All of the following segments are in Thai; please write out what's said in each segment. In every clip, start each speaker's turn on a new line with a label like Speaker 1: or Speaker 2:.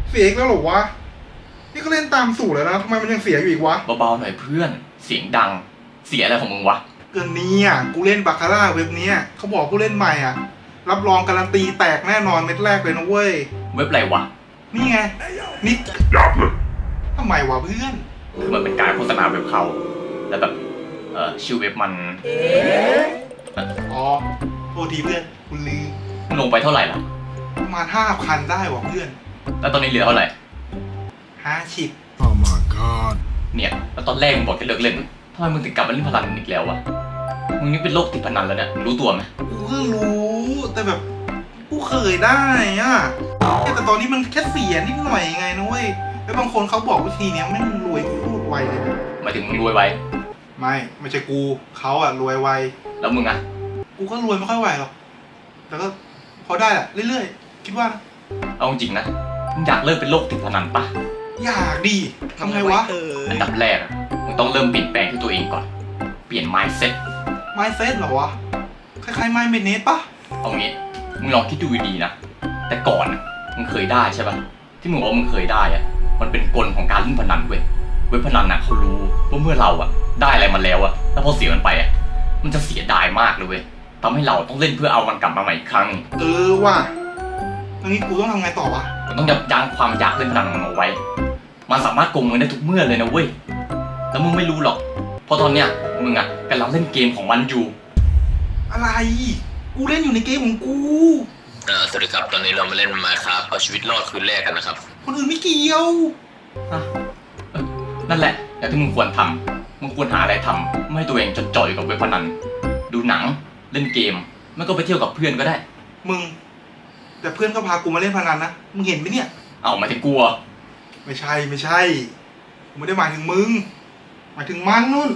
Speaker 1: เสียอีกแล้วเหรอวะนี่ก็เล่นตามสูตรแล้วนะทำไมมันยังเสียอยู่อีกวะ
Speaker 2: เบาๆหน่อยเพื่อนเสียงดังเสียอะไรของมึงวะ
Speaker 1: เกินนี้อ่ะกูเล่นบาคาร่าเว็บนี้เขาบอกผู้เล่นใหม่อ่ะรับรองการันตีแตกแน่นอนเม็ดแรกเลยนะเว้ย
Speaker 2: เว็บอะไรวะ
Speaker 1: นี่ไงนี่ทำไมวะเพื่อน
Speaker 2: คือมันเป็นการโฆษณาเว็บเขาแล้วแบบชื่อเว็บมัน
Speaker 1: อ๋อโทษทีเพื่อนคุณลืม
Speaker 2: มึงลงไปเท่าไหร่ล่ะ
Speaker 1: ประมาณ5,000ได้วะเพื่อน
Speaker 2: แล้วตอนนี้เหลือเท่าไหร่
Speaker 1: 50
Speaker 3: Oh my god
Speaker 2: เนี่ยแล้วตอนแรกมึงบอกจะเลิกเล่นทำไมมึงถึงกลับมาเล่นพนันอีกแล้ววะมึงนี่เป็นโรคติดพนันแล้วเนี่ยมึงรู้ตัวไหม
Speaker 1: กูก็รู้แต่แบบกูเคยได้อ่ะแต่ตอนนี้มันแค่เสียนิดหน่อยไงนะเว้ยแล้วบางคนเขาบอกวิธีนี้แม่งรวยพูดไวเลยนะ
Speaker 2: หมายถึงมึงรวยไว
Speaker 1: ไม่ใช่กูเขาอะรวยไว
Speaker 2: แล้วมึงอะ
Speaker 1: กูก็รวยไม่ค่อยไหวหรอกแต่ก็พอได้แหละเรื่อยๆคิดว่านะ
Speaker 2: เอาจริงนะมึงอยากเลิกเป็นโรคติดพนันปะ
Speaker 1: อยากดิทำไงวะ
Speaker 2: อันดับแรกมึงต้องเริ่มเปลี่ยนแปลงที่ตัวเองก่อนเปลี่ยน mindset
Speaker 1: เหรอวะคล้ายๆ mindset ปะ
Speaker 2: เอางี้มึงลองคิดดูดีๆนะแต่ก่อนมึงเคยได้ใช่ปะที่มึงบอกว่ามึงเคยได้อะมันเป็นกลของการเล่นพนันเว้ยเว็บพนันเขารู้ว่าเมื่อเราได้อะไรมาแล้วแล้วพอเสียมันไปมันจะเสียดายมากเลยเว้ยทำให้เราต้องเล่นเพื่อเอามันกลับมาใหม่อีกครั้ง
Speaker 1: ว่ะตอนนี้กูต้องทำไงต่อวะ
Speaker 2: มึงต้องยับยั้งความอยากเล่นพนันของมันเอาไว้มันสามารถโกงเงินได้ทุกเมื่อเลยนะเว้ยแล้วมึงไม่รู้หรอกเพราะตอนเนี้ยมึงกำลังเล่นเกมของมันอยู่
Speaker 1: อะไรกูเล่นอยู่ในเกมของกู
Speaker 4: สวัสดีครับตอนนี้เรามาเล่นมาครับเอาชีวิตรอดคืนแรกกันนะครับ
Speaker 1: คนอื่นไม่เกี่ยว
Speaker 2: นั่นแหละอย่างที่มึงควรทำมึงควรหาอะไรทำไม่ให้ตัวเองจดจ่ออยู่กับเว็บพนันดูหนังเล่นเกมไม่ก็ไปเที่ยวกับเพื่อนก็ได้
Speaker 1: มึงแต่เพื่อนก็พากูมาเล่นพนันนะมึงเห็นไหมเนี่ย
Speaker 2: เอามาถึงกลัว
Speaker 1: ไม่ใช่กูไม่ได้หมายถึงมึงหมายถึงมันนู่น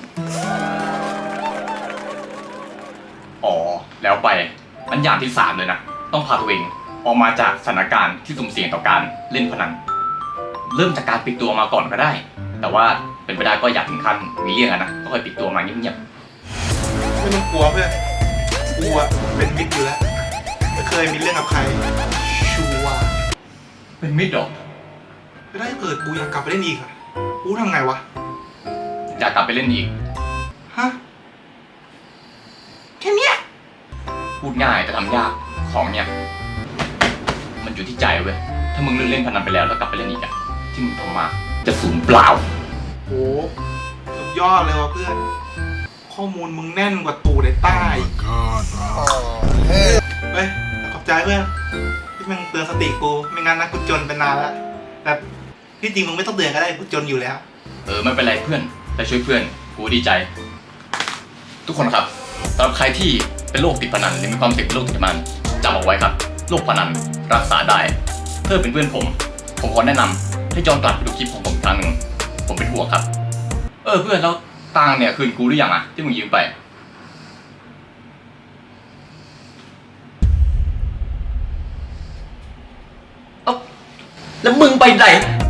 Speaker 2: อ๋อแล้วไปอันอย่างที่3เลยนะต้องพาตัวเองออกมาจากสถานการณ์ที่สุ่มเสี่ยงต่อการเล่นพนันเริ่มจากการปิดตัวมาก่อนก็ได้แต่ว่าเป็นไปได้ก็อยากถึงขั้นมีเรื่องนะก็ค่อยปิดตัวมาเงียบ
Speaker 1: ๆไม่ต้องกลัวเพื่อนกูเป็นมิตรอยู่แล้วไม่เคยมีเรื่องกับใครชัวร์
Speaker 2: เป็นมิตรหรอ
Speaker 1: ไม่ได้เกิดกูอยากกลับไปเล่นอีกอะกูทำไงวะ
Speaker 2: อยากกลับไปเล่นอีก
Speaker 1: ฮะแค่เนี้ย
Speaker 2: พูดง่ายแต่ทำยากของเนี่ยมันอยู่ที่ใจเว้ยถ้ามึงเล่นพนันไปแล้วกลับไปเล่นอีกที่มึงทำมาจะสูญเปล่า
Speaker 1: โอ้สุดยอดเลยวะเพื่อนข้อมูลมึงแน่นกว่าตูดไอ้ใต้เฮ้ยขอบใจเพื่อนที่มึงเตือนสติกูไม่งั้นนะกูจนเป็นนานแล้วแต่ที่จริงมึงไม่ต้องเตือนก็ได้กูจนอยู่แล้ว
Speaker 2: ไม่เป็นไรเพื่อนแต่ช่วยเพื่อนกูดีใจทุกคนครับสำหรับใครที่เป็นโรคติดพนันหรือมีความเสี่ยงเป็นโรคติดพนันจำเอาไว้ครับโรคพนันรักษาได้เพื่อเป็นเพื่อนผมขอแนะนำให้ย้อนกลับไปดูคลิปของผมครั้งหนึ่งผมเป็นห่วงครับเพื่อนแล้วตังเนี่ยคืนกูหรือยังที่มึงยืมไปแล้วมึงไปไหน